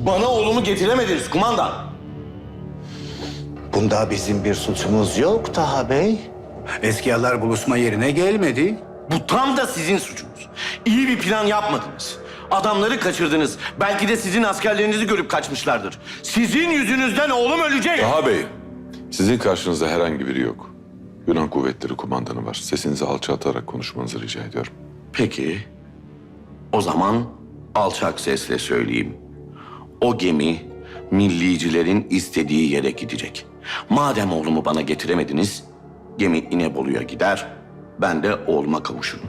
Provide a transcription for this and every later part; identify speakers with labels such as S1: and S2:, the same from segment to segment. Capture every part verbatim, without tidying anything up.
S1: Bana oğlumu getiremediniz kumandan.
S2: Bunda bizim bir suçumuz yok Taha Bey. Eskiyalar buluşma yerine gelmedi.
S1: Bu tam da sizin suçunuz. İyi bir plan yapmadınız. Adamları kaçırdınız. Belki de sizin askerlerinizi görüp kaçmışlardır. Sizin yüzünüzden oğlum ölecek.
S3: Taha Bey, sizin karşınızda herhangi biri yok. Yunan kuvvetleri kumandanı var. Sesinizi alçaltarak konuşmanızı rica ediyorum.
S1: Peki, o zaman alçak sesle söyleyeyim. O gemi millicilerin istediği yere gidecek. Madem oğlumu bana getiremediniz, gemi İnebolu'ya gider, ben de oğluma kavuşurum.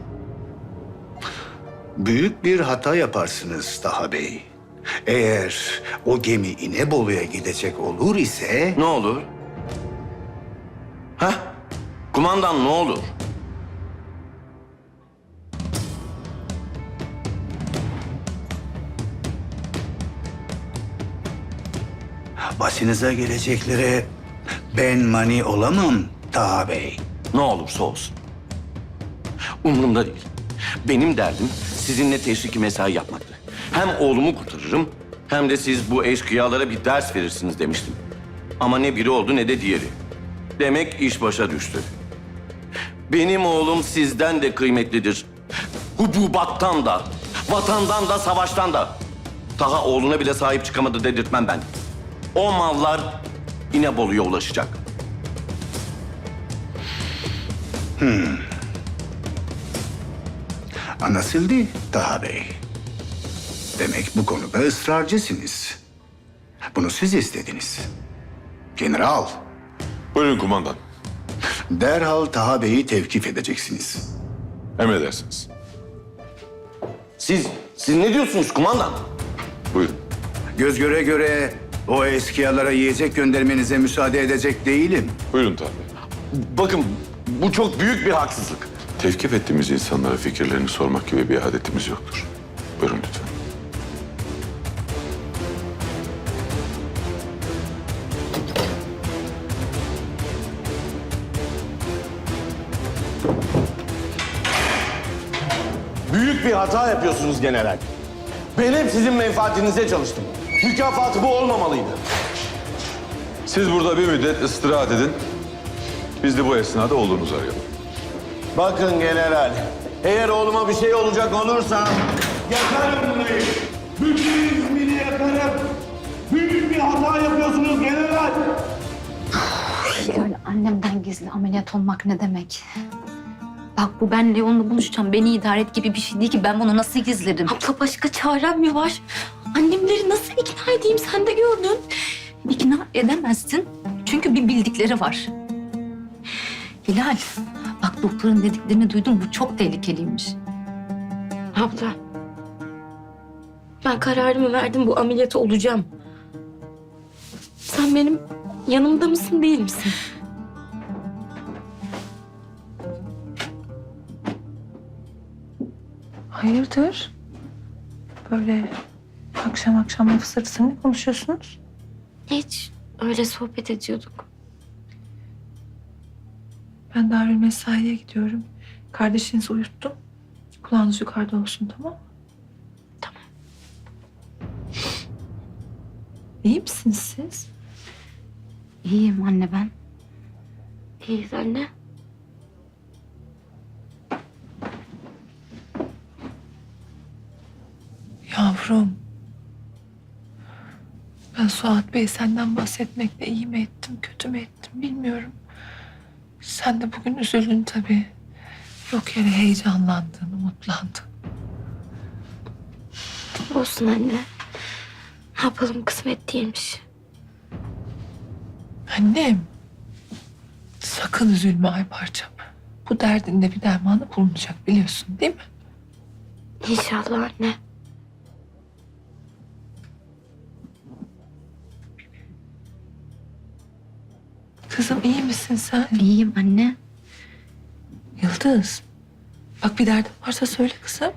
S2: Büyük bir hata yaparsınız Taha Bey. Eğer o gemi İnebolu'ya gidecek olur ise...
S1: Ne olur? Heh, kumandan ne olur?
S2: Başınıza geleceklere ben mani olamam Taha Bey.
S1: Ne olursa olsun. Umurumda değil. Benim derdim sizinle teşriki mesai yapmaktı. Hem oğlumu kurtarırım hem de siz bu eşkıyalara bir ders verirsiniz demiştim. Ama ne biri oldu ne de diğeri. Demek iş başa düştü. Benim oğlum sizden de kıymetlidir. Hububattan da, vatandan da, savaştan da. Taha oğluna bile sahip çıkamadı dedirtmem ben. O mallar İnebolu'ya ulaşacak.
S2: Anlaşıldı Taha Bey. Demek bu konuda ısrarcısınız. Bunu siz istediniz. General,
S3: Buyurun kumandan.
S2: derhal Taha Bey'i tevkif edeceksiniz.
S3: Emredersiniz.
S1: Siz, siz ne diyorsunuz kumandan?
S3: Buyurun.
S2: Göz göre göre o eskiyalara yiyecek göndermenize müsaade edecek değilim.
S3: Buyurun Taha Bey.
S1: Bakın bu çok büyük bir haksızlık.
S3: Tevkif ettiğimiz insanlara fikirlerini sormak gibi bir adetimiz yoktur. Buyurun lütfen.
S1: Büyük bir hata yapıyorsunuz general. Ben hep sizin menfaatinize çalıştım. Mükafatı bu olmamalıydı.
S3: Siz burada bir müddet istirahat edin. Biz de bu esnada oğlunuzu arayalım.
S1: Bakın general, eğer oğluma bir şey olacak olursa... Yakarım burayı. Bütün İzmir'i yakarım. Büyük bir hata yapıyorsunuz general.
S4: Yani annemden gizli ameliyat olmak ne demek? Bak bu ben Leon'la buluşacağım. Beni idare et gibi bir şey değil ki. Ben bunu nasıl gizlerim?
S5: Abla başka çarem mi var? Annemleri nasıl ikna edeyim sen de gördün.
S4: İkna edemezsin. Çünkü bir bildikleri var. Hilal, bak doktorun dediklerini duydum. Bu çok tehlikeliymiş.
S5: Abla. Ben kararımı verdim, bu ameliyatı olacağım. Sen benim yanımda mısın değil misin?
S6: Hayırdır? Böyle akşam akşam laf sırası ne konuşuyorsunuz?
S5: Hiç öyle sohbet ediyorduk.
S6: Ben Darül Mesai'ye gidiyorum. Kardeşinizi uyuttum. Kulağınız yukarıda olsun, tamam mı?
S5: Tamam.
S6: İyi misiniz siz?
S4: İyiyim anne ben.
S5: İyiyiz anne.
S6: Yavrum. Ben Suat Bey senden bahsetmekle iyi mi ettim, kötü mü ettim bilmiyorum. Sen de bugün üzüldün tabii. Yok yere heyecanlandın, umutlandın.
S5: Olsun anne. Ne yapalım, kısmet değilmiş.
S6: Annem, sakın üzülme ay parçam. Bu derdinde bir dermanı bulunacak biliyorsun değil mi?
S5: İnşallah anne.
S6: Kızım iyi misin sen?
S4: İyiyim anne.
S6: Yıldız, bak bir derdin varsa söyle kızım.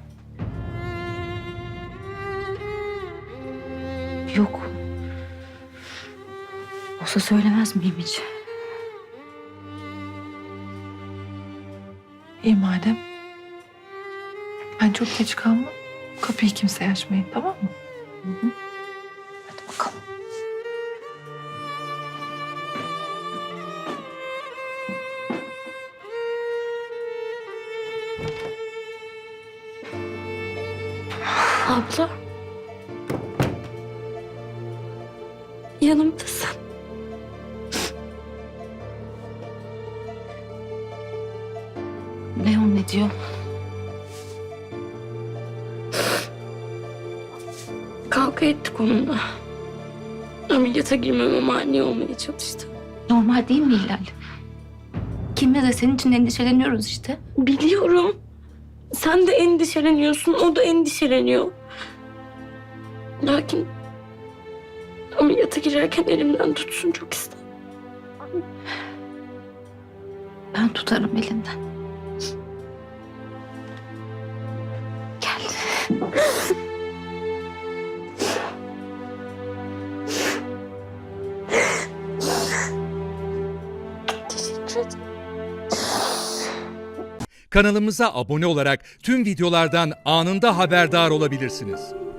S4: Yok. Olsa söylemez miyim hiç?
S6: İyi madem. Ben çok geç kalmam. Kapıyı kimseye açmayın, tamam mı?
S4: Hı hı.
S6: Hadi.
S5: Abla. Yanımdasın.
S4: Leon ne diyor?
S5: Kavga ettik onunla. Ameliyata girmeme mani olmaya çalıştı.
S4: Normal değil mi Hilal? Kimle de senin için endişeleniyoruz işte.
S5: Biliyorum. Sen de endişeleniyorsun, o da endişeleniyor. Lakin ameliyata girerken elimden tutsun çok istedim.
S4: Ben tutarım elinden. Gel.
S5: Teşekkür ederim.
S7: Kanalımıza abone olarak tüm videolardan anında haberdar olabilirsiniz.